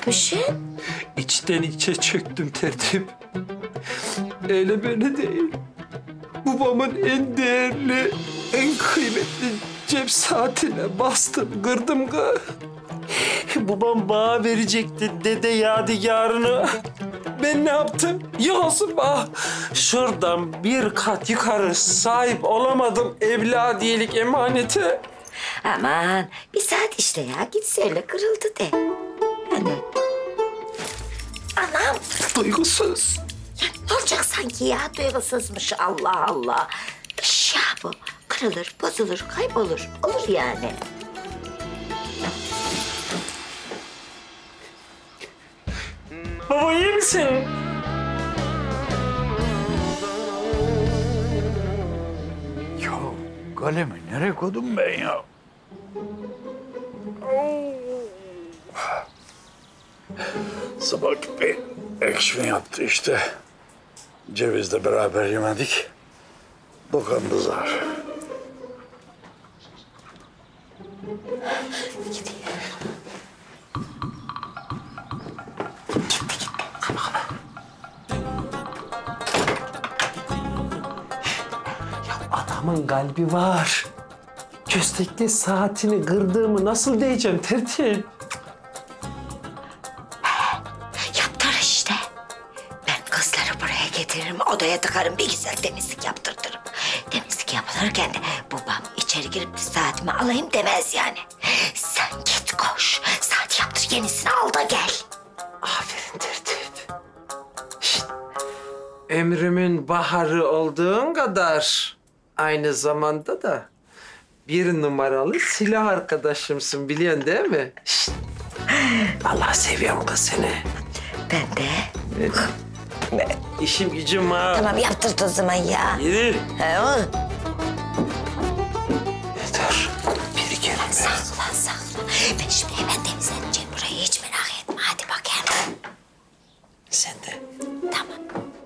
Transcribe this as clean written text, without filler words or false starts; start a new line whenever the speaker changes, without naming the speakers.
yapmışsın?
İçten içe çöktüm tertip. Öyle böyle değil. Babamın en değerli, en kıymetli cep saatine bastım, kırdım kız. Babam bana verecekti dede yadigarını. Ben ne yaptım? Yolsun bana. Şuradan bir kat yukarı sahip olamadım evladiyelik emanete.
Aman bir saat işte ya. Git söyle kırıldı de. Hani. Anam.
Duygusuz.
Ya ne olacak sanki ya? Duygusuzmuş. Allah Allah. Eşya bu. Kırılır, bozulur, kaybolur. Olur yani.
Baba iyi misin?
Ya kalemi nereye koydum ben ya? Sabah bir ekşime yaptı işte. Cevizle beraber yemedik. Dokandı zar.
Adamın kalbi var. Köstekli saatini kırdığımı nasıl diyeceğim tertip?
Yaptır işte. Ben kızları buraya getiririm, odaya tıkarım, bir güzel temizlik yaptırtırım. Temizlik yapılırken de babam içeri girip saatimi alayım demez yani. Sen git koş, saat yaptır, yenisini al da gel.
Aferin tertip. Şişt. Ömrümün baharı olduğun kadar aynı zamanda da bir numaralı silah arkadaşımsın biliyorsun değil mi? Şişt. Vallahi seviyorum kız seni.
Ben de.
İşim gücüm ha.
Tamam yaptırt o zaman ya.
Yürü.
He o.
Yeter. Bir kere be.
Sakla sakla. Ben şimdi hemen temizleneceğim burayı, hiç merak etme. Hadi bakayım.
Sen de.
Tamam.